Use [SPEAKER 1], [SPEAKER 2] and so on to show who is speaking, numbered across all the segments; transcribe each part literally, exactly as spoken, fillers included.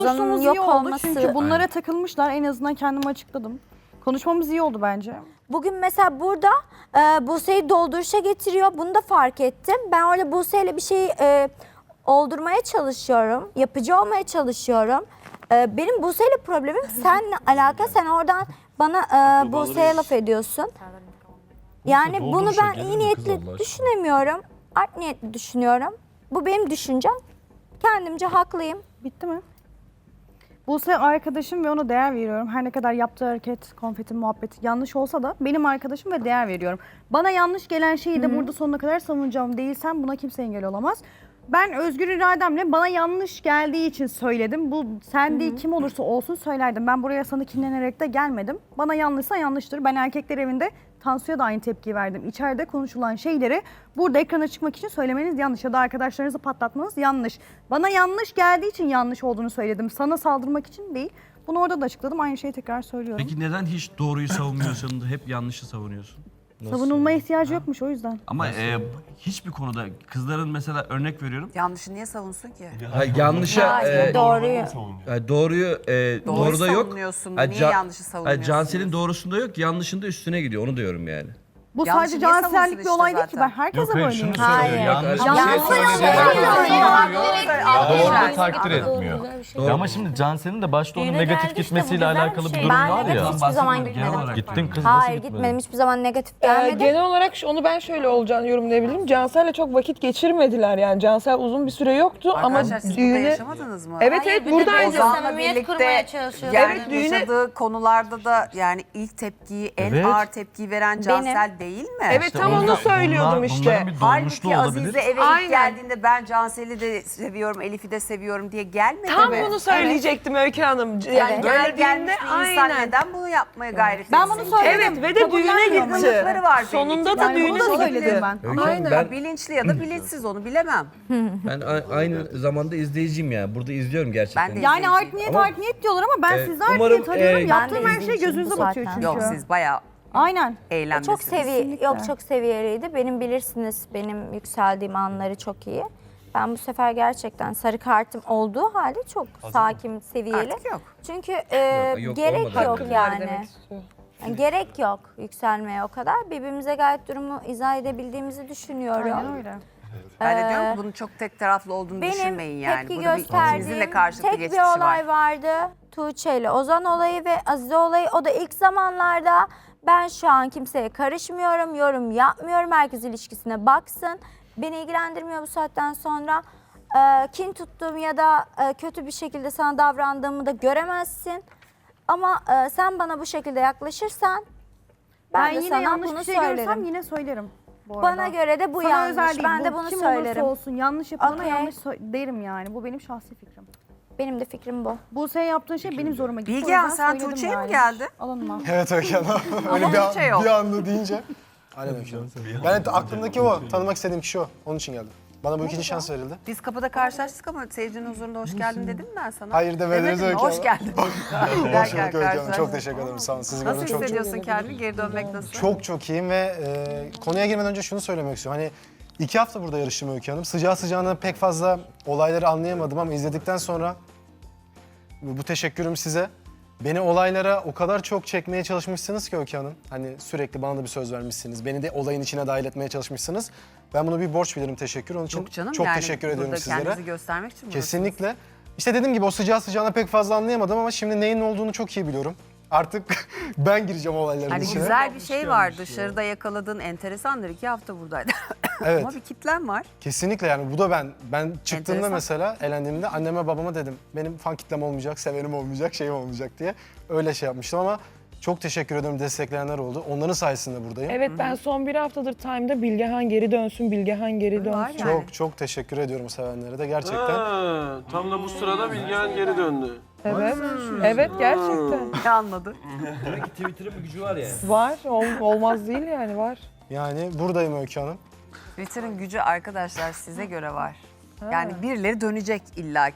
[SPEAKER 1] Konuşmamız
[SPEAKER 2] yok
[SPEAKER 1] iyi oldu
[SPEAKER 2] olması.
[SPEAKER 1] çünkü bunlara takılmışlar. En azından kendimi açıkladım. Konuşmamız iyi oldu bence.
[SPEAKER 2] Bugün mesela burada e, Buse'yi dolduruşa getiriyor. Bunu da fark ettim. Ben öyle Buse'yle bir şeyi e, oldurmaya çalışıyorum. Yapıcı olmaya çalışıyorum. E, benim Buse'yle problemim seninle alakalı. Sen oradan bana e, Buse'ye laf ediyorsun. Yani bunu ben iyi niyetli düşünemiyorum. Art niyetli düşünüyorum. Bu benim düşüncem. Kendimce haklıyım.
[SPEAKER 1] Bitti mi? Buse arkadaşım ve ona değer veriyorum. Her ne kadar yaptığı hareket, konfeti muhabbeti yanlış olsa da benim arkadaşım ve değer veriyorum. Bana yanlış gelen şeyi de Hı-hı. burada sonuna kadar savunacağım. Değilsem buna kimse engel olamaz. Ben özgür irademle bana yanlış geldiği için söyledim. Bu sen değil kim olursa olsun söylerdim. Ben buraya sana kinlenerek de gelmedim. Bana yanlışsa yanlıştır. Ben erkekler evinde Tansu'ya da aynı tepki verdim. İçeride konuşulan şeyleri burada ekrana çıkmak için söylemeniz yanlış ya da arkadaşlarınızı patlatmanız yanlış. Bana yanlış geldiği için yanlış olduğunu söyledim. Sana saldırmak için değil. Bunu orada da açıkladım. Aynı şeyi tekrar söylüyorum.
[SPEAKER 3] Peki neden hiç doğruyu savunmuyorsun da hep yanlışı savunuyorsun?
[SPEAKER 1] Savunulmaya ihtiyacı yokmuş o yüzden.
[SPEAKER 3] Ama e, hiçbir konuda kızların mesela örnek veriyorum.
[SPEAKER 4] Yanlışı niye savunsun ki?
[SPEAKER 5] Hayır, yanlışa
[SPEAKER 2] Hayır,
[SPEAKER 5] e,
[SPEAKER 2] doğruyu.
[SPEAKER 5] e, doğruyu e,
[SPEAKER 4] Doğru
[SPEAKER 5] doğruda yok.
[SPEAKER 4] savunuyorsun,
[SPEAKER 5] E,
[SPEAKER 4] niye
[SPEAKER 5] Can-
[SPEAKER 4] yanlışı
[SPEAKER 5] e,
[SPEAKER 4] savunuyorsun?
[SPEAKER 5] Cansel'in doğrusunda yok, yanlışında üstüne gidiyor. Onu diyorum yani.
[SPEAKER 1] Bu
[SPEAKER 4] Yanlışı
[SPEAKER 1] sadece
[SPEAKER 4] niye savunsun
[SPEAKER 1] cansellik bir
[SPEAKER 4] işte
[SPEAKER 1] olay değil ki. Ben
[SPEAKER 4] zaten?
[SPEAKER 1] herkese
[SPEAKER 6] Yok hayır
[SPEAKER 1] böyleyim.
[SPEAKER 6] şunu söylüyor.
[SPEAKER 2] Hayır.
[SPEAKER 6] Yanlış bir
[SPEAKER 2] Yanlış
[SPEAKER 6] şey söylediğini
[SPEAKER 2] söylüyor.
[SPEAKER 6] doğru da
[SPEAKER 4] Evet.
[SPEAKER 6] takdir etmiyor.
[SPEAKER 5] Doğru.
[SPEAKER 6] Ya ama şimdi Cansel'in de başta onun
[SPEAKER 7] Düğüne
[SPEAKER 6] negatif
[SPEAKER 7] geldi işte,
[SPEAKER 6] gitmesiyle
[SPEAKER 7] bu güzel
[SPEAKER 6] alakalı
[SPEAKER 7] bir
[SPEAKER 6] bir
[SPEAKER 7] şey.
[SPEAKER 6] durum
[SPEAKER 2] Ben
[SPEAKER 6] var
[SPEAKER 2] negatif
[SPEAKER 6] ya.
[SPEAKER 2] hiçbir zaman
[SPEAKER 3] Genel
[SPEAKER 2] gitmedim.
[SPEAKER 3] olarak
[SPEAKER 6] Gittin kız nasıl
[SPEAKER 2] Hayır
[SPEAKER 6] gitmedin?
[SPEAKER 2] gitmedim. Hiçbir zaman negatif
[SPEAKER 8] Ee,
[SPEAKER 2] gelmedi.
[SPEAKER 8] genel olarak şu- onu ben şöyle olacağını yorumlayabilirim. Cansel'le çok vakit geçirmediler yani. Cansel uzun bir süre yoktu ama
[SPEAKER 4] Arkadaşlar siz burada
[SPEAKER 8] düğüne...
[SPEAKER 4] yaşamadınız mı?
[SPEAKER 8] Evet evet buradaydı.
[SPEAKER 4] Ozan'la
[SPEAKER 7] samimiyet kurmaya
[SPEAKER 4] birlikte
[SPEAKER 7] çalışıyordu.
[SPEAKER 4] yani
[SPEAKER 8] Evet, düğüne-
[SPEAKER 4] yaşadığı konularda da yani ilk tepkiyi, en
[SPEAKER 6] Evet.
[SPEAKER 4] ağır tepkiyi veren Cansel değil mi?
[SPEAKER 8] Evet
[SPEAKER 6] İşte
[SPEAKER 8] tam
[SPEAKER 6] o
[SPEAKER 8] onu
[SPEAKER 6] yüzden
[SPEAKER 8] söylüyordum
[SPEAKER 6] bunlar-
[SPEAKER 8] işte.
[SPEAKER 6] bunların bir dolmuşluğu
[SPEAKER 4] Halbuki
[SPEAKER 6] olabilir.
[SPEAKER 4] Azize eve
[SPEAKER 8] Aynen.
[SPEAKER 4] ilk geldiğinde ben Cansel'i de seviyorum, Elif'i de seviyorum diye gelmedi
[SPEAKER 8] Tam
[SPEAKER 4] mi?
[SPEAKER 8] bunu söyleyecektim Öykü Hanım. Yani
[SPEAKER 4] Yani gel gelmiş
[SPEAKER 8] geldiğinde
[SPEAKER 4] bir insan
[SPEAKER 8] aynen.
[SPEAKER 4] neden bunu yapmaya gayret
[SPEAKER 1] Ben
[SPEAKER 4] etsin
[SPEAKER 1] bunu
[SPEAKER 4] ki?
[SPEAKER 1] söyledim.
[SPEAKER 8] Evet ve de düğüne
[SPEAKER 1] Kabullenmiyorum.
[SPEAKER 8] gitti.
[SPEAKER 4] Yanlışları var belli
[SPEAKER 8] Sonunda
[SPEAKER 4] ki.
[SPEAKER 8] da
[SPEAKER 1] Yani
[SPEAKER 8] düğüne
[SPEAKER 1] bunu da
[SPEAKER 8] gitti.
[SPEAKER 1] söyledim ben.
[SPEAKER 5] Öykü
[SPEAKER 8] Aynen.
[SPEAKER 5] Hanım, ben,
[SPEAKER 4] Bilinçli ya da bilinçsiz onu bilemem.
[SPEAKER 5] ben a- aynı zamanda izleyiciyim yani. Burada izliyorum gerçekten.
[SPEAKER 4] Ben de-
[SPEAKER 1] Yani art niyet
[SPEAKER 5] Ama-
[SPEAKER 1] art niyet diyorlar ama ben
[SPEAKER 5] Ee,
[SPEAKER 1] sizde art
[SPEAKER 5] umarım,
[SPEAKER 1] niyet arıyorum.
[SPEAKER 5] e,
[SPEAKER 1] Yaptığım
[SPEAKER 2] Ben de
[SPEAKER 1] her şey
[SPEAKER 2] izleyiciyim
[SPEAKER 1] gözünüze
[SPEAKER 2] bu
[SPEAKER 1] batıyor
[SPEAKER 2] zaten.
[SPEAKER 1] çünkü.
[SPEAKER 4] Yok siz bayağı
[SPEAKER 1] Aynen.
[SPEAKER 4] eğlenmesiniz.
[SPEAKER 2] Çok seviye,
[SPEAKER 1] Kesinlikle.
[SPEAKER 2] yok çok seviyeliydi. Benim bilirsiniz benim yükseldiğim anları çok iyi. Ben bu sefer gerçekten sarı kartım olduğu halde çok sakin, seviyeli.
[SPEAKER 4] Artık yok.
[SPEAKER 2] Çünkü e,
[SPEAKER 5] Yok, yok,
[SPEAKER 2] gerek
[SPEAKER 5] olmadı
[SPEAKER 2] yok
[SPEAKER 5] artık.
[SPEAKER 2] yani.
[SPEAKER 8] Demek istiyor.
[SPEAKER 2] Yani gerek yok yükselmeye o kadar. Birbirimize gayet durumu izah edebildiğimizi düşünüyorum.
[SPEAKER 1] Aynen öyle.
[SPEAKER 4] Ben de
[SPEAKER 2] Ee,
[SPEAKER 4] diyorum ki bunun çok tek taraflı olduğunu
[SPEAKER 2] Benim
[SPEAKER 4] düşünmeyin yani.
[SPEAKER 2] tepki
[SPEAKER 4] Burada bir
[SPEAKER 2] gösterdiğim
[SPEAKER 4] ikinizin de karşılıklı
[SPEAKER 2] tek
[SPEAKER 4] geçmişi
[SPEAKER 2] bir olay
[SPEAKER 4] var.
[SPEAKER 2] vardı. Tuğçe ile Ozan olayı ve Azize olayı. O da ilk zamanlarda ben şu an kimseye karışmıyorum, yorum yapmıyorum. Herkes ilişkisine baksın. Beni ilgilendirmiyor bu saatten sonra. Ee, kin tuttuğum ya da e, kötü bir şekilde sana davrandığımı da göremezsin. Ama e, sen bana bu şekilde yaklaşırsan ben,
[SPEAKER 1] Ben
[SPEAKER 2] de
[SPEAKER 1] yine
[SPEAKER 2] sana
[SPEAKER 1] yanlış
[SPEAKER 2] bunu
[SPEAKER 1] bir şey
[SPEAKER 2] söylerim.
[SPEAKER 1] görürsem yine söylerim. Bu arada.
[SPEAKER 2] Bana göre de bu
[SPEAKER 1] Sana
[SPEAKER 2] yanlış.
[SPEAKER 1] özel değil.
[SPEAKER 2] Ben
[SPEAKER 1] Bu
[SPEAKER 2] de bunu
[SPEAKER 1] kim
[SPEAKER 2] söylerim.
[SPEAKER 1] olursa olsun yanlış yapılana
[SPEAKER 2] Okey.
[SPEAKER 1] yanlış sö- derim yani. Bu benim şahsi fikrim.
[SPEAKER 2] Benim de fikrim bu.
[SPEAKER 1] Buse'ye yaptığın şey benim zoruma gitti. O
[SPEAKER 4] Bilgehan,
[SPEAKER 1] yüzden
[SPEAKER 4] sen
[SPEAKER 1] söyledim
[SPEAKER 4] Tuğçe'ye mi
[SPEAKER 1] yani.
[SPEAKER 4] geldi?
[SPEAKER 1] Alınma.
[SPEAKER 9] Evet Öykü Hanım. Öyle bir,
[SPEAKER 4] Tuğçe yok.
[SPEAKER 9] an, bir anda deyince. Aynen Öykü Hanım. Ben de aklımdaki o. Tanımak istediğim kişi o. Onun için geldim. Bana bu ikinci şans verildi.
[SPEAKER 4] Biz kapıda karşılaştık ama seyircinin huzurunda hoş geldin dedim mi ben sana?
[SPEAKER 9] Hayır demediniz
[SPEAKER 4] Demedim mi?
[SPEAKER 9] Öykü
[SPEAKER 4] Hoş
[SPEAKER 9] Hanım.
[SPEAKER 4] geldin.
[SPEAKER 9] Hoş
[SPEAKER 4] Derken
[SPEAKER 9] bulduk Öykü Hanım. Çok
[SPEAKER 4] karşılaştık.
[SPEAKER 9] teşekkür ederim. Sağ olun. Sizi
[SPEAKER 4] Nasıl
[SPEAKER 9] gördüm çok çok.
[SPEAKER 4] hissediyorsun kendini? Geri dönmek nasıl?
[SPEAKER 9] Çok çok iyiyim ve e, konuya girmeden önce şunu söylemek istiyorum. Hani iki hafta burada yarıştım Öykü Hanım. Sıcağı sıcağına pek fazla olayları anlayamadım ama izledikten sonra bu bu teşekkürüm size. Beni olaylara o kadar çok çekmeye çalışmışsınız ki Öykü Hanım. Hani sürekli bana da bir söz vermişsiniz. Beni de olayın içine dahil etmeye çalışmışsınız. Ben bunu bir borç bilirim teşekkür. Onun için
[SPEAKER 4] Yok canım
[SPEAKER 9] çok
[SPEAKER 4] yani
[SPEAKER 9] teşekkür ediyorum
[SPEAKER 4] burada
[SPEAKER 9] sizlere.
[SPEAKER 4] kendinizi göstermek için buradasınız.
[SPEAKER 9] Kesinlikle. İşte dediğim gibi o sıcağı sıcağına pek fazla anlayamadım ama şimdi neyin olduğunu çok iyi biliyorum. Artık ben gireceğim olayların
[SPEAKER 4] Hani
[SPEAKER 9] içine.
[SPEAKER 4] güzel bir şey var dışarıda yakaladığın enteresandır. İki hafta buradaydı.
[SPEAKER 9] Evet.
[SPEAKER 4] Ama bir kitlen var.
[SPEAKER 9] Kesinlikle yani bu da ben. Ben çıktığımda
[SPEAKER 4] Enteresan.
[SPEAKER 9] mesela elendiğimde anneme babama dedim. Benim fan kitlem olmayacak, sevenim olmayacak, şeyim olmayacak diye. Öyle şey yapmıştım ama çok teşekkür ederim destekleyenler oldu. Onların sayesinde buradayım.
[SPEAKER 8] Evet ben son bir haftadır Time'da Bilgehan geri dönsün, Bilgehan geri
[SPEAKER 4] Var
[SPEAKER 8] dönsün.
[SPEAKER 4] yani.
[SPEAKER 9] Çok çok teşekkür ediyorum sevenlere de gerçekten.
[SPEAKER 10] Ha, tam da bu sırada Bilgehan geri döndü.
[SPEAKER 8] Evet, evet gerçekten.
[SPEAKER 4] Ne anladı?
[SPEAKER 5] Demek ki Twitter'ın bir gücü var yani.
[SPEAKER 8] Var, ol- olmaz değil yani var.
[SPEAKER 9] Yani buradayım Öykü Hanım.
[SPEAKER 4] Twitter'ın gücü arkadaşlar size göre var. Yani birileri dönecek illaki.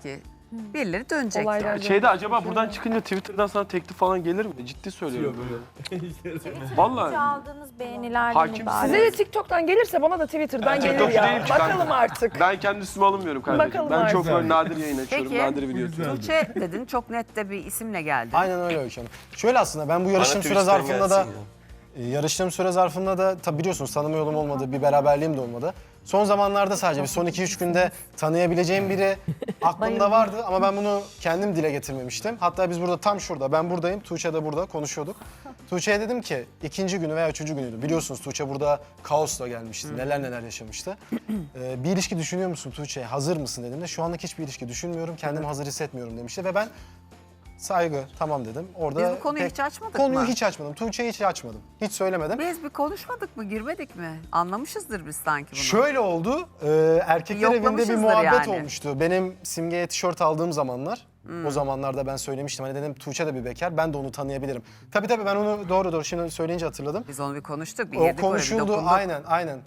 [SPEAKER 4] Birileri dönecek.
[SPEAKER 8] Olaylar
[SPEAKER 4] yani.
[SPEAKER 10] Şeyde acaba buradan çıkınca Twitter'dan sana teklif falan gelir mi? Ciddi söylüyorum böyle. Vallahi.
[SPEAKER 2] Aldığınız beğenilerden
[SPEAKER 10] Hakim
[SPEAKER 2] ibaret.
[SPEAKER 8] Size de TikTok'tan gelirse bana da Twitter'dan gelir
[SPEAKER 10] TikTokçu
[SPEAKER 8] ya.
[SPEAKER 10] değilim ki kanka.
[SPEAKER 8] Bakalım artık.
[SPEAKER 10] Ben kendi üstüme alınmıyorum kardeşim.
[SPEAKER 8] Bakalım
[SPEAKER 10] ben çok
[SPEAKER 8] artık.
[SPEAKER 10] böyle nadir yayın açıyorum.
[SPEAKER 4] Peki.
[SPEAKER 10] Nadir video atıyorum.
[SPEAKER 4] Tuğçe dedin çok net de bir isimle geldin.
[SPEAKER 9] Aynen öyle Öykü Hanım. Şöyle aslında ben bu yarıştığım süre
[SPEAKER 10] Twitch'ten
[SPEAKER 9] zarfında da
[SPEAKER 10] gelsin
[SPEAKER 9] e, yarıştığım süre zarfında da tabi biliyorsunuz tanıma yolum olmadı, bir beraberliğim de olmadı. Son zamanlarda sadece bir son iki üç günde tanıyabileceğim biri aklımda vardı ama ben bunu kendim dile getirmemiştim. Hatta biz burada tam şurada, ben buradayım, Tuğçe de burada konuşuyorduk. Tuğçe'ye dedim ki ikinci günü veya üçüncü günüydü. Biliyorsunuz Tuğçe burada kaosla gelmişti, neler neler yaşamıştı. Ee, bir ilişki düşünüyor musun Tuğçe, hazır mısın dediğimde şu anlık hiçbir ilişki düşünmüyorum, kendimi hazır hissetmiyorum demişti ve ben saygı tamam dedim. Orada
[SPEAKER 4] Biz bu konuyu
[SPEAKER 9] pek-
[SPEAKER 4] hiç açmadık
[SPEAKER 9] Konuyu
[SPEAKER 4] mı?
[SPEAKER 9] hiç açmadım. Tuğçe'yi hiç açmadım. Hiç söylemedim.
[SPEAKER 4] Biz bir konuşmadık mı, girmedik mi? Anlamışızdır biz sanki bunu.
[SPEAKER 9] Şöyle oldu. E, erkekler evinde bir
[SPEAKER 4] Yoklamışızdır
[SPEAKER 9] muhabbet
[SPEAKER 4] yani.
[SPEAKER 9] olmuştu. Benim Simge'ye tişört aldığım zamanlar. O zamanlarda ben söylemiştim. Hani dedim Tuğçe de bir bekar. Ben de onu tanıyabilirim. Tabii tabii ben onu doğru doğru şimdi söyleyince hatırladım.
[SPEAKER 4] Biz onu bir konuştuk, bir
[SPEAKER 9] O
[SPEAKER 4] girdik oraya, bir
[SPEAKER 9] konuşuldu.
[SPEAKER 4] dokunduk.
[SPEAKER 9] Aynen aynen.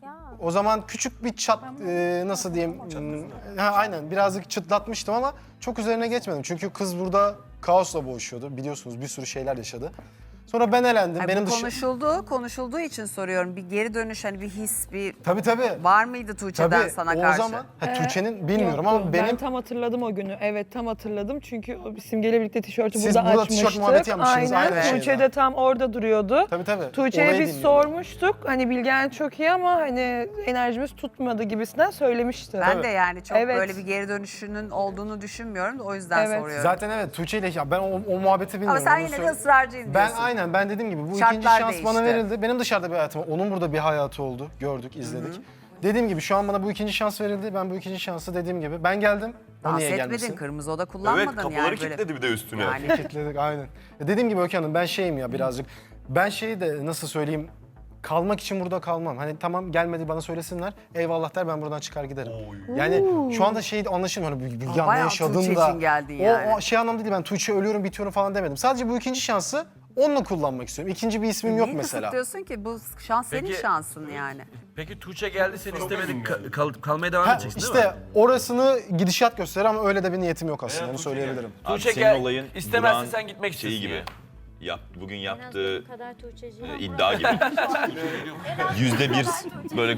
[SPEAKER 9] O zaman küçük bir çat e, nasıl diyeyim? hmm, Ha, aynen birazcık çıtlatmıştım ama çok üzerine geçmedim. Çünkü kız burada kaosla boğuşuyordu. Biliyorsunuz bir sürü şeyler yaşadı. Sonra ben elendim.
[SPEAKER 4] Ay,
[SPEAKER 9] Benim
[SPEAKER 4] bu
[SPEAKER 9] dışı...
[SPEAKER 4] konuşuldu, konuşulduğu için soruyorum. Bir geri dönüş, hani bir his, bir
[SPEAKER 9] Tabii tabii.
[SPEAKER 4] var mıydı Tuğçe'den
[SPEAKER 9] Tabii
[SPEAKER 4] sana
[SPEAKER 9] o
[SPEAKER 4] karşı?
[SPEAKER 9] zaman ha, Tuğçe'nin bilmiyorum
[SPEAKER 8] Yoktu.
[SPEAKER 9] ama benim
[SPEAKER 8] Ben tam hatırladım o günü. Evet tam hatırladım çünkü o Simge'yle birlikte tişörtü
[SPEAKER 9] Siz
[SPEAKER 8] burada,
[SPEAKER 9] burada tişört
[SPEAKER 8] açmıştık.
[SPEAKER 9] muhabbeti yapmışsınız,
[SPEAKER 8] Aynen.
[SPEAKER 9] aynı
[SPEAKER 8] Tuğçe
[SPEAKER 9] şeyde.
[SPEAKER 8] de tam orada duruyordu.
[SPEAKER 9] tabii tabii.
[SPEAKER 8] Tuğçe'ye
[SPEAKER 9] olayı
[SPEAKER 8] biz
[SPEAKER 9] dinliyorum.
[SPEAKER 8] sormuştuk. Hani Bilgen çok iyi ama hani enerjimiz tutmadı gibisinden söylemişti.
[SPEAKER 4] Ben de yani çok
[SPEAKER 8] Evet.
[SPEAKER 4] böyle bir geri dönüşünün olduğunu düşünmüyorum da o yüzden
[SPEAKER 8] Evet.
[SPEAKER 4] soruyorum.
[SPEAKER 9] Zaten evet Tuğçe ile ya ben o, o muhabbeti bilmiyorum.
[SPEAKER 4] Ama sen
[SPEAKER 9] onu
[SPEAKER 4] yine de
[SPEAKER 9] söyle-
[SPEAKER 4] ısrarcıyım
[SPEAKER 9] Ben
[SPEAKER 4] diyorsun.
[SPEAKER 9] aynen ben dediğim gibi bu
[SPEAKER 4] Şartlar
[SPEAKER 9] ikinci şans
[SPEAKER 4] değişti.
[SPEAKER 9] bana verildi. Benim dışarıda bir hayatım var. Onun burada bir hayatı oldu. Gördük, izledik. Dediğim gibi şu an bana bu ikinci şans verildi. Ben bu ikinci şansı dediğim gibi ben geldim. O
[SPEAKER 4] Dans
[SPEAKER 9] niye
[SPEAKER 4] etmedin,
[SPEAKER 9] gelmesin?
[SPEAKER 4] kırmızı oda kullanmadın
[SPEAKER 7] Evet kapıları
[SPEAKER 4] yani böyle.
[SPEAKER 7] kilitledi bir de üstüne.
[SPEAKER 4] Yani
[SPEAKER 9] Kitledik aynen. Ya dediğim gibi Öykü Hanım ben şeyim ya birazcık. Ben şeyi de nasıl söyleyeyim kalmak için burada kalmam. Hani tamam gelmedi bana söylesinler. Eyvallah der ben buradan çıkar giderim. Yani şu anda şey anlaşılmıyor. Hani bir, bir
[SPEAKER 4] Ama
[SPEAKER 9] ne
[SPEAKER 4] bayağı
[SPEAKER 9] yaşadın
[SPEAKER 4] Tuğçe
[SPEAKER 9] da.
[SPEAKER 4] için geldin
[SPEAKER 9] o,
[SPEAKER 4] yani.
[SPEAKER 9] o şey anlamda değil ben Tuğçe ölüyorum bitiyorum falan demedim. Sadece bu ikinci şansı onunla kullanmak istiyorum. İkinci bir ismim yok
[SPEAKER 4] niye
[SPEAKER 9] mesela.
[SPEAKER 4] kısıtlıyorsun ki? Bu şans senin
[SPEAKER 3] Peki-
[SPEAKER 4] şansın yani.
[SPEAKER 3] Peki Tuğçe geldi seni istemedi kal- kal- kalmaya devam
[SPEAKER 9] Ha,
[SPEAKER 3] edeceksin değil
[SPEAKER 9] işte
[SPEAKER 3] mi?
[SPEAKER 9] orasını gidişat gösterir ama öyle de bir niyetim yok aslında onu söyleyebilirim.
[SPEAKER 7] Abi
[SPEAKER 3] Tuğçe
[SPEAKER 7] senin
[SPEAKER 3] gel,
[SPEAKER 7] olayın
[SPEAKER 3] istemezse
[SPEAKER 7] Burak'ın
[SPEAKER 3] sen gitmek
[SPEAKER 7] şeyi
[SPEAKER 3] istiyorsun
[SPEAKER 7] gibi.
[SPEAKER 3] yani.
[SPEAKER 7] Yap, bugün yaptığı
[SPEAKER 2] kadar Tuğçe'cim.
[SPEAKER 7] e, iddia gibi. Yüzde bir böyle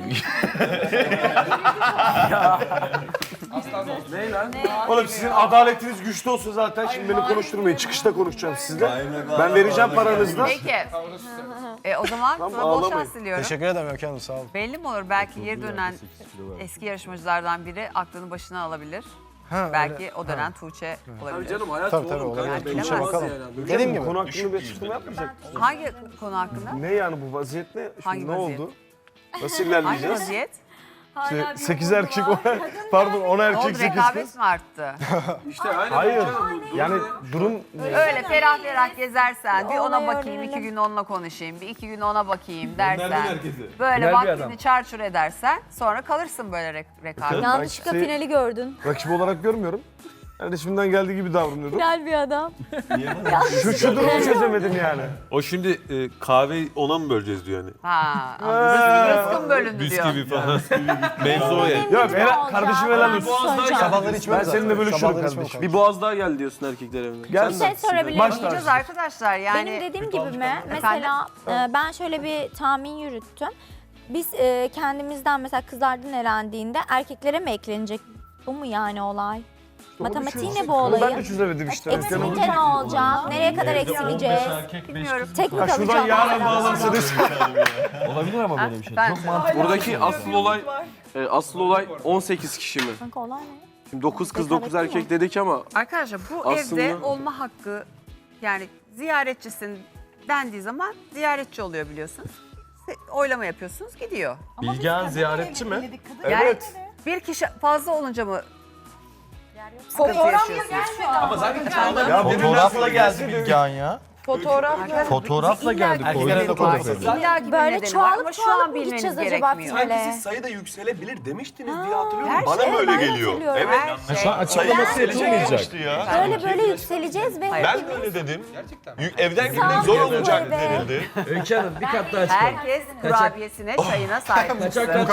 [SPEAKER 10] Oğlum sizin adaletiniz güçlü olsun zaten. Şimdi beni konuşturmayın. Çıkışta konuşacağım sizle. Ben vereceğim paranızı da.
[SPEAKER 4] Peki. E, o zaman
[SPEAKER 10] Tamam,
[SPEAKER 4] sana bol
[SPEAKER 10] ağlamayın.
[SPEAKER 4] şans diliyorum.
[SPEAKER 9] Teşekkür ederim Öykü Hanım sağ olun.
[SPEAKER 4] Belli mi olur? Belki geri dönen eski yarışmacılardan biri aklını başına alabilir.
[SPEAKER 9] Ha,
[SPEAKER 4] Belki
[SPEAKER 9] öyle.
[SPEAKER 4] o dönen Tuğçe
[SPEAKER 10] Tabii
[SPEAKER 4] olabilir.
[SPEAKER 10] canım hayat
[SPEAKER 9] Tabii, tabii,
[SPEAKER 10] oğlum.
[SPEAKER 9] olabilir.
[SPEAKER 10] kanka.
[SPEAKER 4] Bilemezsin.
[SPEAKER 10] Bilemezsin
[SPEAKER 9] Bakalım.
[SPEAKER 10] yani.
[SPEAKER 9] Dediğim gibi.
[SPEAKER 10] Konu hakkında bir açıklama yapmayacak mısın?
[SPEAKER 4] Hangi konu hakkında?
[SPEAKER 10] Ne yani bu vaziyet ne? Şimdi
[SPEAKER 4] Hangi
[SPEAKER 10] ne
[SPEAKER 4] vaziyet?
[SPEAKER 10] oldu? Nasıl
[SPEAKER 4] Hangi
[SPEAKER 10] ilerleyeceğiz?
[SPEAKER 4] vaziyet?
[SPEAKER 10] sekiz erkek, on Pardon on
[SPEAKER 4] Ne
[SPEAKER 10] erkek,
[SPEAKER 4] oldu?
[SPEAKER 10] sekiz
[SPEAKER 4] Rekabet
[SPEAKER 10] kız.
[SPEAKER 4] mi arttı?
[SPEAKER 10] İşte aynen. Hayır. Yani durum
[SPEAKER 4] Öyle ferah ferah gezersen, bir ona
[SPEAKER 2] Olayı
[SPEAKER 4] bakayım, iki
[SPEAKER 2] öğrenelim.
[SPEAKER 4] gün onunla konuşayım, bir iki gün ona bakayım dersen, böyle
[SPEAKER 6] Güzel bir
[SPEAKER 4] vaktini
[SPEAKER 6] adam.
[SPEAKER 4] çarçur edersen sonra kalırsın böyle re- rekabet.
[SPEAKER 2] Yanlışlıkla
[SPEAKER 10] Belki-
[SPEAKER 2] finali gördün.
[SPEAKER 10] rakip olarak görmüyorum. Yani şimdiden geldiği gibi davranıyordum.
[SPEAKER 2] Final bir adam.
[SPEAKER 10] Şu, şu durumu çözemedim yani.
[SPEAKER 7] O şimdi e, kahve ona mı böleceğiz diyor yani?
[SPEAKER 4] Ha, anladım. Rızkın bölündü diyor.
[SPEAKER 7] Bisküvi falan. Mevzu o yani.
[SPEAKER 10] Yok helal, kardeşim helal olsun.
[SPEAKER 9] Sabahları içmem
[SPEAKER 10] Ben
[SPEAKER 9] zaten.
[SPEAKER 10] seninle bölüşürüm
[SPEAKER 9] Sabahları içmem
[SPEAKER 10] kardeşim.
[SPEAKER 9] kanka.
[SPEAKER 10] Bir boğaz daha gel diyorsun erkekler evine. Gel
[SPEAKER 2] Bir şey sorabilir
[SPEAKER 10] Baş
[SPEAKER 2] miyim?
[SPEAKER 4] Bakacağız arkadaşlar yani.
[SPEAKER 2] Benim dediğim gibi mi? Mesela e, ben şöyle bir tahmin yürüttüm. Biz e, kendimizden mesela kızlardan elendiğinde erkeklere mi eklenecek? Bu mu yani olay? Matematiği ne bu
[SPEAKER 10] Onu ben de
[SPEAKER 2] olayın?
[SPEAKER 10] çözemedim işte.
[SPEAKER 2] Eksilince ne olacak? Nereye kadar eksileceğiz?
[SPEAKER 4] Bilmiyorum.
[SPEAKER 2] Tek mi
[SPEAKER 10] Ha, şuradan
[SPEAKER 2] kalacak?
[SPEAKER 10] yarın bağlansa
[SPEAKER 6] Olabilir ama böyle bir şey.
[SPEAKER 4] Ben-
[SPEAKER 6] Çok mantıklı.
[SPEAKER 10] Buradaki asıl olay e, asıl olay on sekiz kişi mi?
[SPEAKER 2] Kanka olay ne?
[SPEAKER 10] Şimdi dokuz kız
[SPEAKER 2] Rekabet
[SPEAKER 10] dokuz
[SPEAKER 2] mi?
[SPEAKER 10] erkek dedik ama
[SPEAKER 4] Arkadaşlar bu
[SPEAKER 10] Aslında-
[SPEAKER 4] evde olma hakkı yani ziyaretçisin dendiği zaman ziyaretçi oluyor biliyorsunuz. Se- Oylama yapıyorsunuz gidiyor.
[SPEAKER 6] Bilgehan ziyaretçi mi?
[SPEAKER 4] Yani bir kişi fazla olunca mı sıkıntı yaşıyorsunuz?
[SPEAKER 6] Ama zaten
[SPEAKER 10] ya
[SPEAKER 6] fotoğrafla geldi Bilgehan ya.
[SPEAKER 8] Fotoğraf.
[SPEAKER 6] Fotoğrafla geldi.
[SPEAKER 9] Erkeklere de koyduk.
[SPEAKER 4] İlla ki bir
[SPEAKER 2] Böyle
[SPEAKER 4] nedeni var ama
[SPEAKER 2] çoğalıp
[SPEAKER 4] şu an
[SPEAKER 2] çoğalıp mı
[SPEAKER 4] bilmeniz
[SPEAKER 2] gideceğiz acaba
[SPEAKER 4] gerekmiyor.
[SPEAKER 2] finale?
[SPEAKER 7] sayı da yükselebilir demiştiniz diye hatırlıyorum.
[SPEAKER 4] Her
[SPEAKER 7] Bana
[SPEAKER 4] şey-
[SPEAKER 7] mı öyle
[SPEAKER 2] ben de
[SPEAKER 7] geliyor?
[SPEAKER 2] hatırlıyorum.
[SPEAKER 7] Evet.
[SPEAKER 4] Her şey.
[SPEAKER 6] Şu an açıklaması yapılmayacak.
[SPEAKER 7] ya.
[SPEAKER 2] Böyle böyle yükseleceğiz ve
[SPEAKER 7] Ben de öyle dedim. Gerçekten. Evden gitmek zor olacak denildi.
[SPEAKER 6] Öykü Hanım bir kat daha çıkalım.
[SPEAKER 4] Herkes kurabiyesine, çayına sahip.
[SPEAKER 6] Kaçak